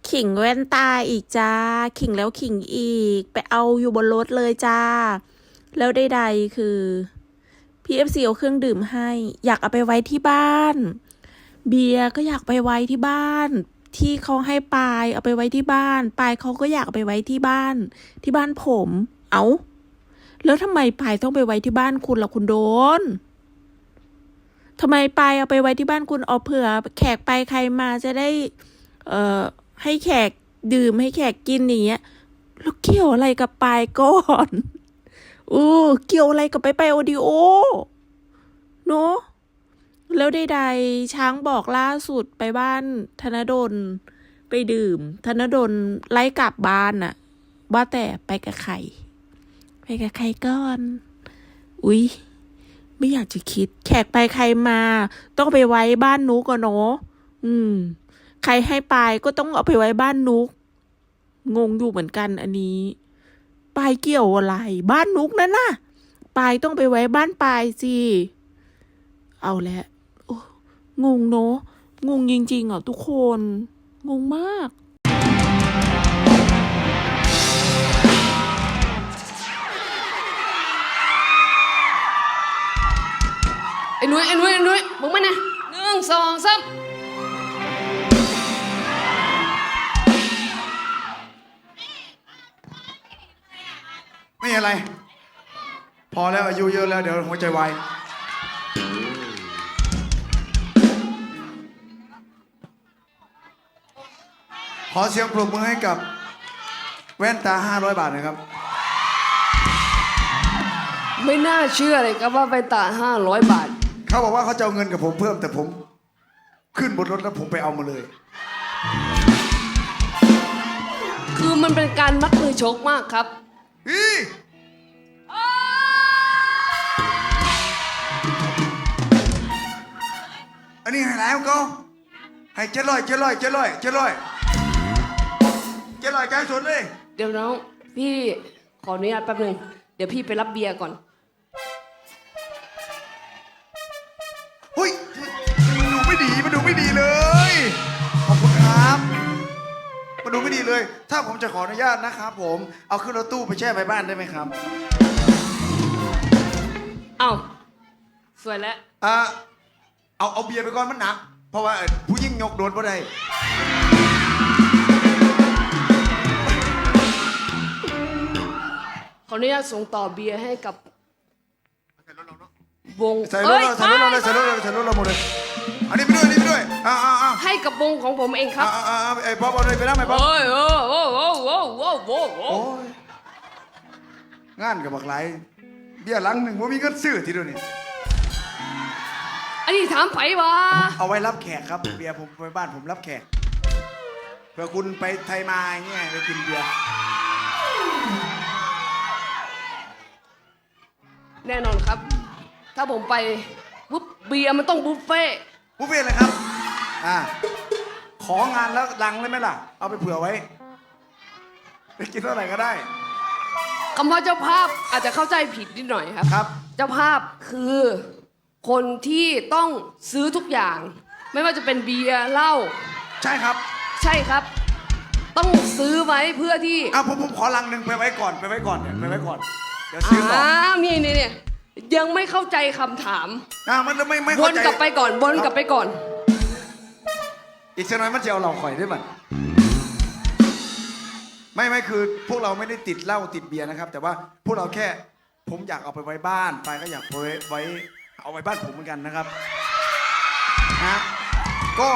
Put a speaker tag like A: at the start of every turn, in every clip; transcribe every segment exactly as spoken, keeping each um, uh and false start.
A: ขิงแว่นตาอีกจ้าขิงแล้วขิงอีกไปเอาอยู่บนรถเลยจ้าแล้วใดๆคือพีเอฟซีเอาเครื่องดื่มให้อยากเอาไปไว้ที่บ้านเบียร์ก็อยากไปไว้ที่บ้านที่เขาให้ปายเอาไปไว้ที่บ้านปายเขาก็อยากเอาไปไว้ที่บ้านที่บ้านผมเอาแล้วทำไมปายต้องไปไว้ที่บ้านคุณล่ะคุณโดนทำไมปายเอาไปไว้ที่บ้านคุณเอาเผื่อแขกไปใครมาจะได้เอ่อให้แขกดื่มให้แขกกินอย่างเงี้ยแล้วเกี่ยวอะไรกับปายก่อนเออเกี่ยวอะไรกับไปไปโอดิโอเนาะแล้วใดๆช้างบอกล่าสุดไปบ้านธนดลไปดื่มธนดลไล่กลับบ้านน่ะว่าแต่ไปกับใครไปกับใครก่อนอุ๊ยไม่อยากจะคิดแขกไปใครมาต้องไปไว้บ้านนุกก่อนเนาะอืมใครให้ปายก็ต้องเอาไปไว้บ้านนุกงงอยู่เหมือนกันอันนี้ปายเกี่ยวอะไรบ้านนุกนั่นน่ะปายต้องไปไว้บ้านปายสิเอาแล้วงงเนาะงงจริงๆอ่ะทุกคนงงมาก
B: ไอ้นุ้ยไอ้นุ้ยไอ้นุ้ยมึงมาเนี่ยหนึ่งสองสาม
C: ไม่อะไร พอแล้วอายุเยอะแล้วเดี๋ยวหัวใจวายขอเสียงปรบมือให้กับแว่นตาห้าร้อยบาทนะครับ
B: ไม่น่าเชื่อเลยครับว่าไปตาห้าร้อยบาท
C: เขาบอกว่าเขาจะเอาเงินกับผมเพิ่มแต่ผมขึ้นบนรถแล้วผมไปเอามาเลย
B: คือมันเป็นการมัดมือชกมากครับ
C: อีอันนี้ให้แล้วก็ให้เจ็ดร้อยเจ็ดร้อยเจ็ดร้อยเจ็ดร้อยเจ็ดร้อยใจสุดเลย
B: เดี๋ยวน้องพี่ขออนุญาตแป๊บหนึ่งเดี๋ยวพี่ไปรับเบียร์ก่อน
C: เฮ้ยมันดูไม่ดีมันดูไม่ดีเลยขอบคุณครับมันดูไม่ดีเลยถ้าผมจะขออนุญาตนะครับผมเอาขึ้นรถตู้ไปแช่ไปบ้านได้ไหมครับ
B: เอ้าสวยแล้ว
C: อ่าเอาเอาเบียร์ไปก่อนมันหนักเพราะว่าผู้ยิ่งยกโดนเพราะใด
B: ขออนุญาตส่งต่อเบียร์ให้กับวง
C: ใส่รถเราใส่รถเราเลยใส่รถเราใส่รถเราหมดเลยอันนี้ไปด้วยอันนี้ไปด้วยอ่าอ่าอ่า
B: ให้กับวงของผมเองครับ
C: อ่าอ่าอ่าไอ้ป๊อปเอาเลยไปแล้วไหมป๊อป
B: โอ้ยโอ้โอ้โอ้โอ้โอ้โอ้โอ้
C: งานกับบักไหลเบียร์หลังหนึ่งว่ามีเงินซื้อทีเดียวนี่
B: อันนี้ถามไผวะ
C: เอาไว้รับแขกครับเบียร์ผมไปบ้านผมรับแขกเผื่อคุณไปไทยมาอย่างเงี้ยไปกินเบียร์
B: แน่นอนครับถ้าผมไปปุ๊บเบียร์มันต้องบุฟเฟ่
C: บุฟเฟ่เลยครับอ่าของานแล้วดังเลยไหมล่ะเอาไปเผื่อไว้ไปกินเท่าไหร่ก็ได้
B: คำว่าเจ้าภาพอาจจะเข้าใจผิดนิดหน่อยครับ
C: ครับ
B: เจ้าภาพคือคนที่ต้องซื้อทุกอย่างไม่ว่าจะเป็นเบียร์เหล้า
C: ใช่ครับ
B: ใช่ครับต้องซื้อไว้เพื่อที่
C: อ้าวผมผมขอลังหนึ่งไปไว้ก่อนไปไว้ก่อนเนี่ยไปไว้ก่อนเดี๋ยวซื้อต่อ
B: อ้าวนี่นี่เนี่ยยังไม่เข้าใจคำถาม
C: อ่ามันไม่ไม่
B: วนกลับไปก่อนวนกลับไปก่อน
C: อีกสักหน่อยมันจะเอาเราข่อยได้มั้ยไม่ไม่คือพวกเราไม่ได้ติดเหล้าติดเบียร์นะครับแต่ว่าพวกเราแค่ผมอยากเอาไปไว้บ้านไปก็อยากไว้ไว้เอาไว้บ้านผมเหมือนกันนะครับนะก็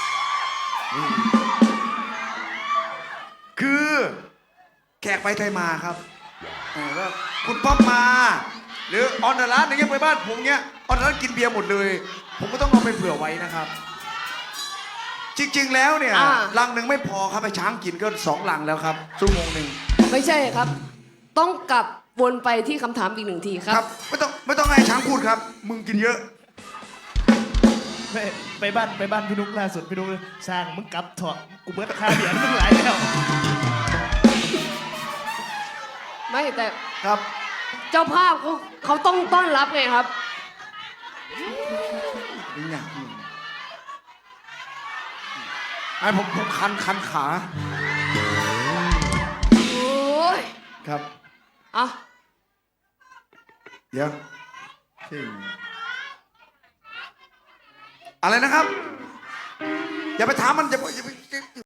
C: คือแขกไปไทยมาครับก็คุณป๊อปมาหรือออนเดอะร้านอย่างเงี้ยไปบ้านผมเงี้ยออนเดอะร้านกินเบียร์หมดเลยผมก็ต้องเอาไปเผื่อไว้นะครับจริงๆแล้วเนี่ยลังหนึ่งไม่พอครับไปช้างกินก็สองลังแล้วครับชั่วโมงหนึ่ง
B: ไม่ใช่ครับต้องกลับวนไปที่คำถามอีกหนึ่งทีครับ
C: ครับไม่ต้องไม่ต้องให้ช้างพูดครับมึงกินเยอะ
D: ไปไปบ้านไปบ้านพี่นุ๊กล่าสุดพี่นุ๊กสร้างมึงกลับเถอะกูเบิร์ดค่าเบียร์มึงหลายแล้ว
B: ไม่แต่
C: ครับ
B: เจ้าภาพเขาเขาต้องต้อนรับไงครับ
C: นี่ไงไอ้ผมผมคันคันขา
B: โอ้ย
C: ครับ
B: เอา
C: เดี๋ยวอะไรนะครับ อย่าไปถามมันอย่าไปอย่าไป